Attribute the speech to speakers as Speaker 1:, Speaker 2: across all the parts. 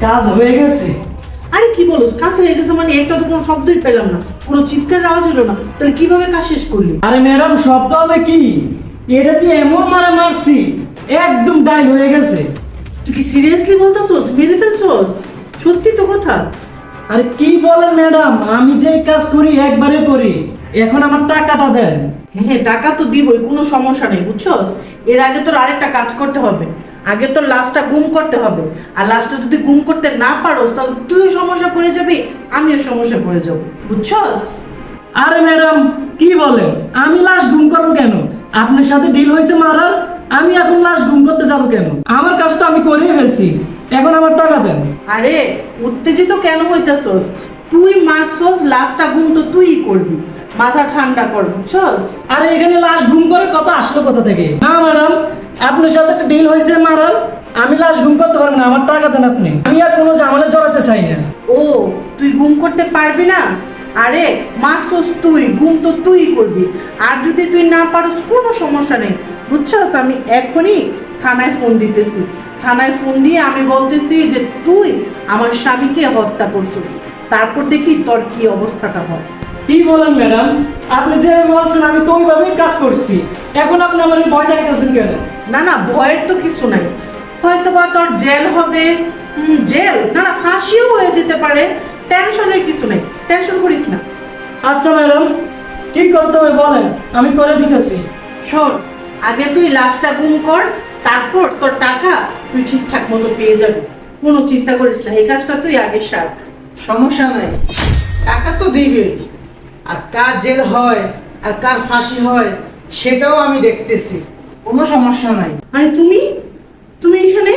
Speaker 1: কাজ হয়ে গেছে।
Speaker 2: আরে কি বলছ, কাজ হয়ে গেছে মানে? একটা তো কোনো শব্দই পেলাম না, কোনো চিৎকার আওয়াজ হলো না, তাহলে কিভাবে কাজ শেষ করলি?
Speaker 1: আরে ম্যাডাম, শব্দ হবে কি? এটা দিয়ে এমন মারছি, একদম ডাই হয়ে গেছে।
Speaker 2: তুই কি সিরিয়াসলি বলতেছস? মেরে ফেলছস? সত্যি তো কথা?
Speaker 1: আরে কি বলেন ম্যাডাম, আমি যে কাজ করি একবারে করি। এখন আমার টাকাটা দেন।
Speaker 2: হ্যাঁ টাকা তো দিবই, কোনো সমস্যা নেই, বুঝছস? এর আগে তোর আরেকটা কাজ করতে হবে। আগে তোর লাশটা গুম করতে হবে, আর লাশটা যদি গুম করতে না পারোস তাহলে তুইও সমস্যা পড়ে যাবি, আমিও সমস্যা পড়ে যাব, বুঝছস?
Speaker 1: আরে ম্যাডাম, কি বলেন? আমি লাশ গুম করবো কেন? আপনার সাথে ডিল হয়েছে মারার, আমি এখন লাশ গুম করতে যাব কেন? আমার কাজ তো আমি করেই ফেলছি, এখন আমার টাকা দেন।
Speaker 2: আরে উত্তেজিত কেন হইতাছস? তুই মারছস, লাশটা গুম তো তুইই করবি, মাথা ঠান্ডা কর, বুঝছস?
Speaker 1: আরে এখানে লাশ গুম করে কথা আসলো কোথা থেকে? না ম্যাডাম, আপনার সাথে ডিল হয়েছে মারার, আমি লাশ গুম করতে পারবো না, আমার টাকা দেন আপনি। আমি আর কোনো ঝামেলা জড়াতে চাই না।
Speaker 2: ও, তুই গুম করতে পারবি না? আরে মারছস তুই, গুম তো তুই করবি। আর যদি তুই না পারস কোনো সমস্যা নেই, বুঝছস? আমি এখনই থানায় ফোন দিতেছি। থানায় ফোন দিয়ে আমি বলতেছি যে তুই আমার স্বামীকে হত্যা করছিস, তারপর দেখি তোর কি অবস্থাটা হয়।
Speaker 1: কি বলেন ম্যাডাম, আপনি যেভাবে বলছেন আমি তো ওইভাবেই কাজ করছি। এখন আপনি আমার এই ভয় দেখাতেছেন কেন?
Speaker 2: না না, ভয়ের তো কিছু নাই। হয়তো বা তোর জেল হবে, জেল না না ফাঁসিও হয়ে যেতে পারে। টেনশনের কিছু নেই, টেনশন করিস না।
Speaker 1: আচ্ছা ম্যাডাম, কি করতে হবে বলেন, আমি করে দিতেছি।
Speaker 2: শোন, আগে তুই লাশটা গুম কর, তারপর তোর টাকা তুই ঠিকঠাক মতো পেয়ে যাবি। কোনো চিন্তা করিস না, এই কাজটা তুই আগে সার।
Speaker 3: সমস্যা নাই, টাকা তো দিবে। আর কার জেল হয় আর কার ফাঁসি হয় সেটাও আমি দেখতেছি, কোনো সমস্যা নাই।
Speaker 2: আরে তুমি তুমি এখানে?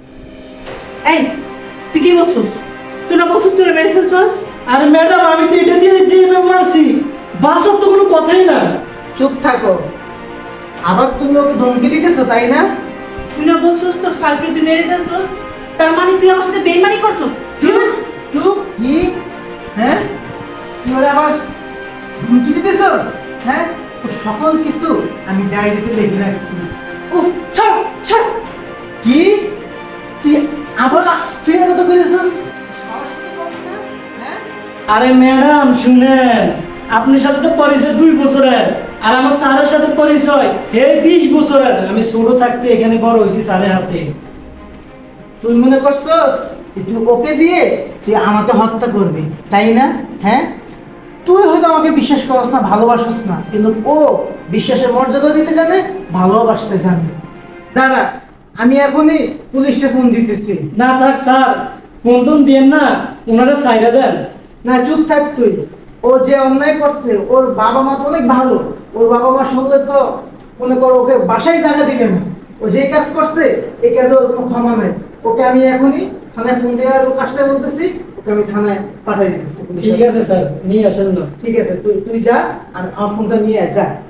Speaker 2: এই তুই কি বলছিস? তুই না বলছিস তুই মেরে ফেলছস?
Speaker 1: আরে ম্যাডাম, আমি তো এটা দিয়ে যেভাবে মারছি, বাসার তো কোনো কথাই না।
Speaker 3: চুপ থাকো, আবার তুমি ওকে ধমকি দিতেছো তাই না?
Speaker 2: তুই না বলছিস তোর সালকে তুই মেরে ফেলছস? তার মানে তুই আমার সাথে বেইমানি করছস?
Speaker 3: চুপ চুপ, কি? হ্যাঁ, তুই ওরা আবার ধমকি দিতেছস? হ্যাঁ, ও সকল কিছু আমি ডায়েরিতে লিখে রাখছি।
Speaker 2: উফ, ছাড় ছাড়।
Speaker 3: কি? তুই আবার ফিরে কত করেছিস? হ্যাঁ,
Speaker 1: আরে ম্যাডাম শুনেন, আপনার সাথে তো পরিচয় 2 বছরের, আর আমার স্যারের সাথে পরিচয় 20 বছরের। আমি ছোট থাকতে এখানে বড় হয়েছি স্যারের হাতে।
Speaker 3: তুই মনে করছস যে তুই ওকে দিয়ে তুই আমাকে হত্যা করবি তাই না? হ্যাঁ, তুই হয়তো আমাকে বিশ্বাস করস না, ভালোবাসস না, কিন্তু ও বিশ্বাসের মর্যাদা দিতে জানে, ভালোবাসতে জানে। দাঁড়া, আমি এখনই পুলিশে ফোন দিতেছি।
Speaker 1: না থাক স্যার, ফোন টোন দিয়েন না, ওনারা সাইরা দেন।
Speaker 3: না, চুপ থাক তুই। ও যে অন্যায় করছে, ওর বাবা মা তো অনেক ভালো। ওর বাবা মা শুনলে তো মনে করো ওকে বাসায় জায়গা দিবে না। ও যে কাজ করছে এই কাজে ওর কোনো ক্ষমা নাই। ওকে আমি এখনই থানায় ফোন দেওয়ার লোক আসলে বলতেছি, ওকে আমি থানায় পাঠাই দিতেছি।
Speaker 1: ঠিক আছে স্যার, নিয়ে আসেন না।
Speaker 3: ঠিক আছে, তুই তুই যা, আর আমার ফোনটা নিয়ে আয়, যা।